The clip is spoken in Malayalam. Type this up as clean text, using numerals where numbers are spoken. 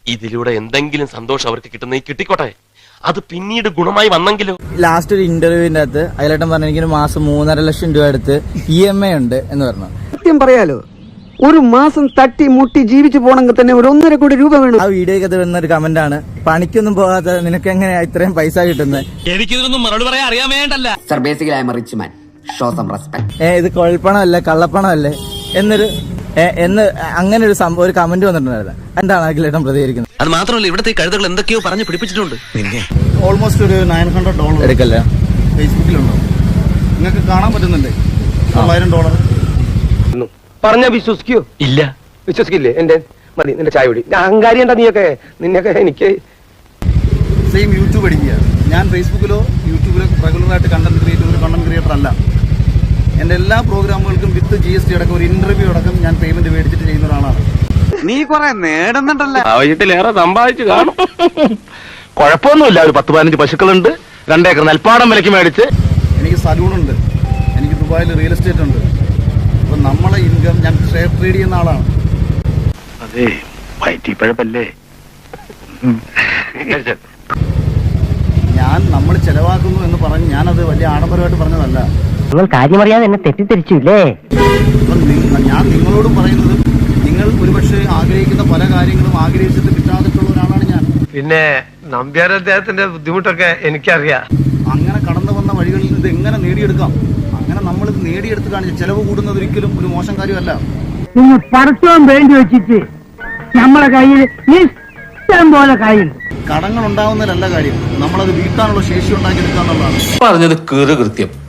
ഇതിലൂടെ എന്തെങ്കിലും സന്തോഷം അവർക്ക് കിട്ടുന്ന കിട്ടിക്കോട്ടെ, അത് പിന്നീട് ഗുണമായി വന്നെങ്കിലോ. ലാസ്റ്റ് ഒരു ഇന്റർവ്യൂവിന്റെ അകത്ത് അയലേട്ടൻ പറഞ്ഞു എനിക്ക് മാസം 3.5 ലക്ഷം രൂപ എടുത്ത് EMI ഉണ്ട് എന്ന് പറഞ്ഞു. സത്യം പറയാലോ, ഒരു മാസം തട്ടി മുട്ടി ജീവിച്ചു പോണെങ്കിൽ തന്നെ ഒരു 1.5 കോടി രൂപ വേണം. ആ വീഡിയോയ്ക്ക് വരുന്ന ഒരു കമന്റ് ആണ്, പണിക്കൊന്നും പോകാത്ത നിനക്ക് എങ്ങനെയാ ഇത്രയും പൈസ കിട്ടുന്നത്? എനിക്കിതൊന്നും മറുപടി പറയാൻ അറിയാൻ വേണ്ടല്ല. Sir, basically I am a rich man. Show some respect. ഇത് കൊഴപ്പണമല്ലേ കള്ളപ്പണമല്ലേ എന്നൊരു അങ്ങനെ ഒരു കമന്റ് വന്നിട്ടുണ്ടായിരുന്നു. എന്താണ് അഖിലേട്ടൻ പ്രതികരിക്കുന്നത്? അത് മാത്രമല്ല, ഇവിടുത്തെ കഴുതകൾ എന്തൊക്കെയോ പറഞ്ഞു പിടിപ്പിച്ചിട്ടുണ്ട്. ഓൾമോസ്റ്റ് ഒരു $900 എടുക്കല്ലേ ഫേസ്ബുക്കിലുണ്ടോ? നിങ്ങൾക്ക് കാണാൻ പറ്റുന്നുണ്ട്. $900 പറഞ്ഞ വിശ്വസിക്കോ? ഇല്ല, വിശ്വസിക്കില്ലേ? എന്റെ മതി, നിന്റെ ചായ കുടി. അഹങ്കാരി എന്താ നിന്നൊക്കെ എനിക്ക് സെയിം യൂട്യൂബ് അടിക്കുക. ഞാൻ ഫേസ്ബുക്കിലോ യൂട്യൂബിലോ റെഗുലറായിട്ട് കണ്ടന്റ് ക്രിയേറ്റർ അല്ല. എൻ്റെ എല്ലാ പ്രോഗ്രാമുകൾക്കും വിത്ത് GST അടക്കം ഒരു ഇന്റർവ്യൂ അടക്കം ഞാൻ പേയ്മെന്റ് മേടിച്ചിട്ട് ചെയ്യുന്ന ഒരാളാണ്. നീ കുറെ നേടുന്നുണ്ടല്ലോ. ആവശ്യത്തിലേറെ സമ്പാദിച്ചു കാണും. കുഴപ്പമൊന്നുമില്ല. ഒരു 10-15 പശുക്കളുണ്ട്, 2 ഏക്കർ നെൽപ്പാടം വിലക്ക് മേടിച്ച്. എനിക്ക് സലൂണുണ്ട്, എനിക്ക് ദുബായിൽ റിയൽ എസ്റ്റേറ്റ് ഉണ്ട്. അപ്പൊ നമ്മളെ ഇൻകം ഞാൻ ഷെയർ ട്രേഡ് ചെയ്യുന്ന ആളാണ്. അതെ, വയറ്റിപ്പഴപ്പല്ലേ. നമ്മൾ ചെലവാക്കുന്നു എന്ന് പറഞ്ഞ് ഞാനത് വലിയ ആഡംബരമായിട്ട് പറഞ്ഞതല്ല. നിങ്ങൾ കാര്യമറിയാതെ എന്നെ തെറ്റിദ്ധരിച്ചില്ലേ? ഞാൻ നിങ്ങളോടും പറയുന്നത്, നിങ്ങൾ ഒരുപക്ഷെ ആഗ്രഹിക്കുന്ന പല കാര്യങ്ങളും ആഗ്രഹിച്ചിട്ട് കിട്ടാതിട്ടുള്ള ഒരാളാണ് ഞാൻ. പിന്നെ നമ്പ്യാർ അദ്ദേഹത്തിന്റെ ബുദ്ധിമുട്ടൊക്കെ എനിക്കറിയാം. അങ്ങനെ കടന്നു വന്ന വഴികളിൽ ഇത് എങ്ങനെ നേടിയെടുക്കാം, അങ്ങനെ നമ്മൾ ഇത് നേടിയെടുത്ത് കാണിച്ച് ചെലവ് കൂടുന്നത് ഒരിക്കലും ഒരു മോശം കാര്യമല്ല. നിങ്ങൾ പരസ്യം വേണ്ടി വെച്ചിട്ട് നമ്മളെ കയ്യിൽ ഇഷ്ടം പോലെ കയ്യിൽ കടങ്ങൾ ഉണ്ടാവുന്നതിലല്ല കാര്യം, നമ്മളത് വീട്ടാനുള്ള ശേഷി ഉണ്ടാക്കിയെടുക്കുക എന്നുള്ളതാണ്. പറഞ്ഞത് കൃത്യം.